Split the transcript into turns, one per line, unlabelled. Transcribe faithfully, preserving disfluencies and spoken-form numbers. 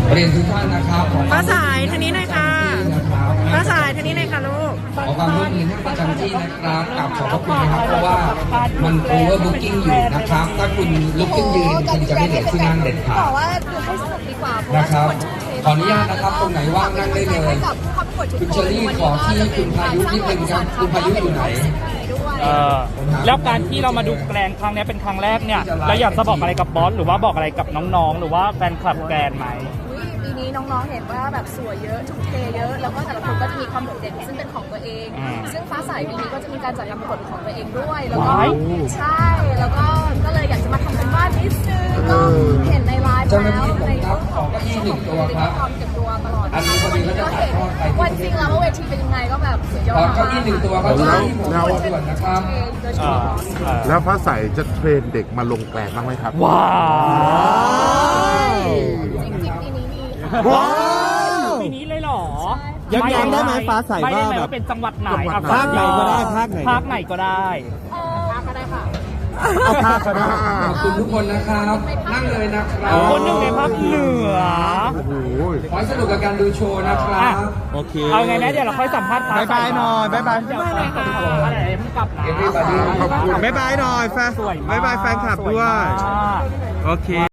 เรียนทุกท่านนะครับขอ
ฟ้าสายทางนี้หน่อยค่ะฟ้าสายทางนี้หน่อยค่ะลูก
ขอความร่วมมือให้ประจำที่นะครับกับขอบพระคุณนะครับเพราะว่ามันโอเวอร์บุ๊กิ้งอยู่นะครับ ถ้าคุณลุกขึ้นยืนคุณจะไม่เหลือที่นั่งเด็ดขาด
บอกว่าดูให้สนุกดีกว่าเพราะ
นะค
ว่า
รับขออนุญาตนะครับตรงไหนว่างนั่งได้เลย
กับครอบครัวทุก
คุณ
ค
เชอน รี่ขอที่คุณพายุนิดนึงครับคุณพายุอยู่ไหน
เออแล้วการที่เรามาดูแกรนครั้งนี้เป็นครั้งแรกเนี่ยเราอยากจะบอกอะไรกับบอสหรือว่าบอกอะไรกับน้องๆ หรือว่าแฟนคลับแกรนไหม
ปีนี้น้องๆเห็นว่าแบบสวยเยอะทุ่มเทเยอะแล้วก็แต่ละคนก็จะมีความโดดเด่นซึ่งเป็นของตัวเอง ซึ่งฟ้าใสปีนี้ก็จะมีการจัดการประกวดของตัวเองด้วยแล้วก็ใช่แล้วก็ก็เลยอยากจะมาทำเป็นบ้านนิดนึงก็เห็นในไลฟ์แล้วในรูปของเก้าอี้หนึ่งตัวครับความเก็บตัวตลอดวันนี้ก็เห็นวันจริงแล้วว่าเวทีเป็นยังไงก็แบบสุดยอด
เก้าอี้หนึ่งตัวครับเก้าอี้ผมส่วนนะครับ
แล้วฟ้าใสจะเทรนเด็กมาลงแกลนบ้างไหมครับ
ว้าว
จริงๆปีนี้มี
ว้าว
ปีนี้เลยเหรอ
ย้ำๆได้ไหมฟ้าใส
ไม่ได้
ว่า
ไหม
แบบ
ว่าเป็นจังหวัดไหน
จังหวัด
อ่ะ
ไหน
ภาคไหนก็ได้ภาคไหน
ภาคไหนก็ได้
เออก็ได้ค่ะ
เอาภาคก็ได้
ขอบคุณทุกคนนะครับ นั่งเลยนะครับ
คนหนึ่งในภาคเหนือ
โอ้โห
ขอให้สนุกกับการดูโชว์นะครับ
โอเค
เอาไงนะเดี๋ยวเราค่อยสัมภาษณ์ฟ้
บ๊ายบายหน่อยบ๊ายบาย
เดี๋ยวฟ้าใสอะไรเพิ่งกลับนะ
Everybody
ขอบคุณ
บ๊ายบายหน่อยแฟน
สวยมาก
บ๊ายบายแฟนคลับด้วย
สมาก
โอเค